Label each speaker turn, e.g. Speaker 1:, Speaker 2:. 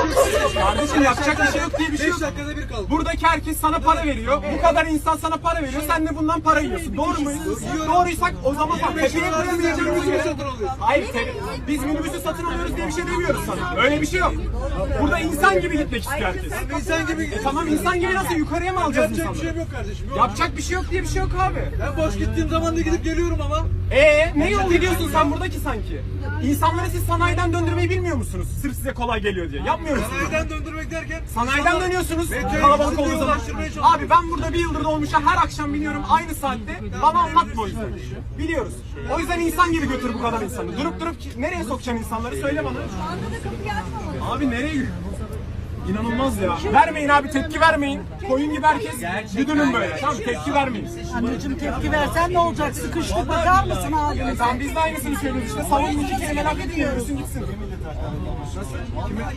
Speaker 1: Kardeşim yapacak bir şey yok diye bir şey yok.
Speaker 2: 5 dakikada bir kaldı.
Speaker 1: Buradaki herkes sana para veriyor. Bu kadar insan sana para veriyor. Sen de bundan para yiyorsun. Doğru muyuz? Doğruysak o zaman tepeye koyamayacağımız yere. Hayır, biz minibüsü satın alıyoruz diye bir şey demiyoruz sana. Öyle bir şey yok. Burada insan gibi gitmek istiyor herkes.
Speaker 2: İnsan gibi.
Speaker 1: Tamam, insan gibi nasıl yukarıya mı alacağız
Speaker 2: Yapacak bir
Speaker 1: insanları?
Speaker 2: şey yok kardeşim. Yok.
Speaker 1: Yapacak bir şey yok diye bir şey yok abi.
Speaker 2: Ben boş gittiğim zaman da gidip geliyorum ama.
Speaker 1: Ne yol gidiyorsun sen buradaki sanki? İnsanları siz sanayiden döndürmeyi bilmiyor musunuz? Sırf size kolay geliyor diye. Yapmıyor musunuz?
Speaker 2: Sanayiden döndürmek derken.
Speaker 1: Sanayiden dönüyorsunuz.
Speaker 2: Metroya
Speaker 1: Kalabalık
Speaker 2: gidip
Speaker 1: olduğu zaman.
Speaker 2: ulaştırmaya çalışıyoruz.
Speaker 1: Abi ben burada bir yıldır dolmuşa her akşam biniyorum aynı saatte. Bana anlatma o yüzden. Biliyoruz. O yüzden insan gibi götür bu kadar insanı. Durup nereye sokacaksın insanları söyle bana.
Speaker 3: Şu anda da kapıyı açmamalı.
Speaker 1: Abi nereye? İnanılmaz ya. Vermeyin abi, tepki vermeyin. Koyun gibi herkes güdünün böyle. Tamam, tepki vermeyin.
Speaker 4: Anneciğim tepki versen ne olacak? Sıkıştık, bakar mısın abi?
Speaker 1: Tamam, biz de aynısını söylüyoruz işte. Savunun iki kelime laf etmiyorsun gitsin.